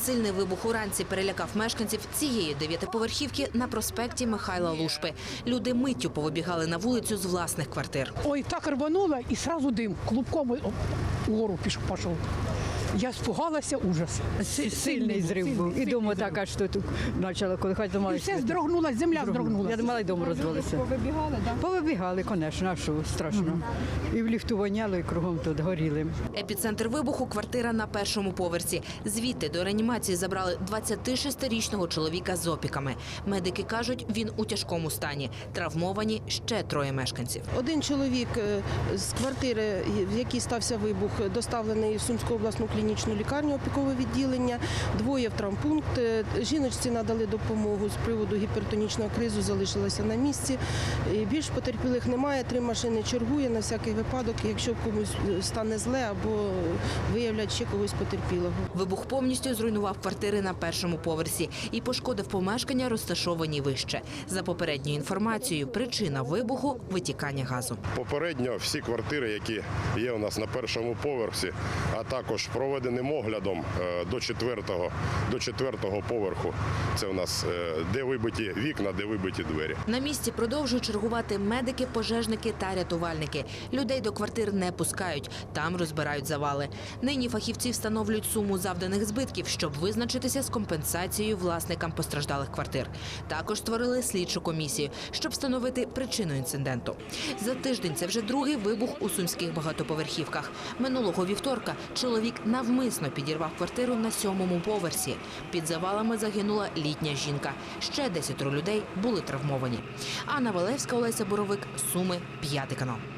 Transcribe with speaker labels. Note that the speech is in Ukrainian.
Speaker 1: Сильний вибух уранці перелякав мешканців цієї 9-поверхівки на проспекті Михайла Лушпи. Люди миттю повибігали на вулицю з власних квартир.
Speaker 2: Ой, так рвануло, и сразу дым, клубком вгору пошел. Я испугалася, ужас.
Speaker 3: Сильний зрив був. І дома так, аж тут почало колихати,
Speaker 2: І
Speaker 3: думали,
Speaker 2: все здрогнулося, земля здрогнулася.
Speaker 3: я думала, і дом розвалився.
Speaker 2: Повибігали, так?
Speaker 3: Повибігали, звісно, а що страшно. І в ліфту воняло, і кругом тут горіли.
Speaker 1: Епіцентр вибуху – квартира на першому поверсі. Звідти до реанімації забрали 26-річного чоловіка з опіками. Медики кажуть, він у тяжкому стані. Травмовані ще 3 мешканців.
Speaker 4: Один чоловік з квартири, в якій стався вибух, доставлений в Сумську обласну клінічну лікарню, опікове відділення, 2 в травмпункт. Жіночці надали допомогу з приводу гіпертонічного кризу, залишилася на місці. Більш потерпілих немає, 3 машини чергує на всякий випадок, якщо комусь стане зле або виявлять ще когось потерпілого.
Speaker 1: Вибух повністю зруйнував квартири на першому поверсі і пошкодив помешкання, розташовані вище. За попередньою інформацією, причина вибуху – витікання газу.
Speaker 5: Попередньо всі квартири, які є у нас на першому поверсі, а також проведеним оглядом до 4-го поверху, це у нас де вибиті вікна, де вибиті двері.
Speaker 1: На місці продовжують чергувати медики, пожежники та рятувальники. Людей до квартир не пускають, там розбирають завали. Нині фахівці встановлюють суму завданих збитків, щоб визначитися з компенсацією власникам постраждалих квартир. Також створили слідчу комісію, щоб встановити причину інциденту. За тиждень це вже 2-й вибух у сумських багатоповерхівках. Минулого вівторка чоловік навмисно підірвав квартиру на 7-му поверсі. Під завалами загинула літня жінка. Ще 10 людей були травмовані. Анна Валевська, Олеся Боровик, Суми, 5 канал.